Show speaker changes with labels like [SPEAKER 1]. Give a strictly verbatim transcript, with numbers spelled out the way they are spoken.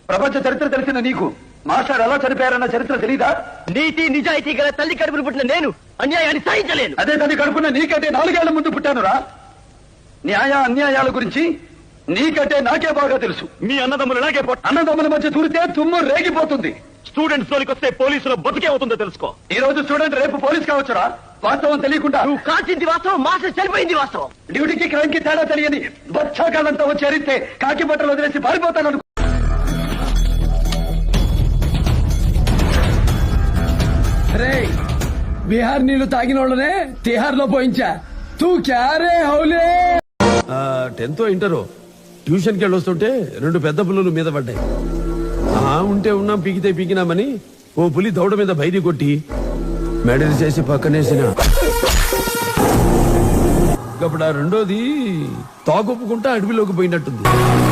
[SPEAKER 1] ప్రపంచ చరిత్ర తెలిసిన నీకు మాస్టర్ ఎలా చనిపోయారన్న చరిత్ర తెలీదా?
[SPEAKER 2] నీతి నిజాయితీ గల తల్లి కడుపును పుట్టిన నేను అన్యాయాన్ని సహించలేను.
[SPEAKER 1] అదే తల్లి కడుపున నీకంటే నాలుగేళ్ల ముందు పుట్టానురా. న్యాయ అన్యాయాల గురించి నీకంటే నాకే బాగా తెలుసు.
[SPEAKER 2] మీ అన్నదమ్ములు నాకే
[SPEAKER 1] అన్నదమ్ముల మధ్య దూరితే తుమ్ము రేగిపోతుంది.
[SPEAKER 2] స్టూడెంట్స్ లోకి వస్తే పోలీసుల బతికే అవుతుందో తెలుసుకో.
[SPEAKER 1] ఈ రోజు స్టూడెంట్ రేపు పోలీస్ కావచ్చురా. వాస్తవం తెలియకుండా
[SPEAKER 2] నువ్వు కాల్చింది వాస్తవం, మాస్టర్ చనిపోయింది వాస్తవం.
[SPEAKER 1] డ్యూటీకి క్రైమ్ కి తేడా తెలియని బచ్చాకాలంతా వచ్చి అరిస్తే కాకి బట్టలు వదిలేసి పారిపోతాను అనుకో.
[SPEAKER 3] రే బీహార్ నీళ్లు తాగిన వాళ్ళనే తిహార్ లో పోయించా. తూ క్యారే హౌలే.
[SPEAKER 4] టెన్త్ ఇంటరో ట్యూషన్కి వెళ్ళొస్తుంటే రెండు పెద్ద పులులు మీద పడ్డాయి. ఆ ఉంటే ఉన్నాం, పీకితే పీకినామని ఓ పులి దౌడ మీద బైరి కొట్టి మెడలు చేసి పక్కనేసిన. అప్పుడు ఆ రెండోది తాగొప్పుకుంటా అడవిలోకి పోయినట్టుంది.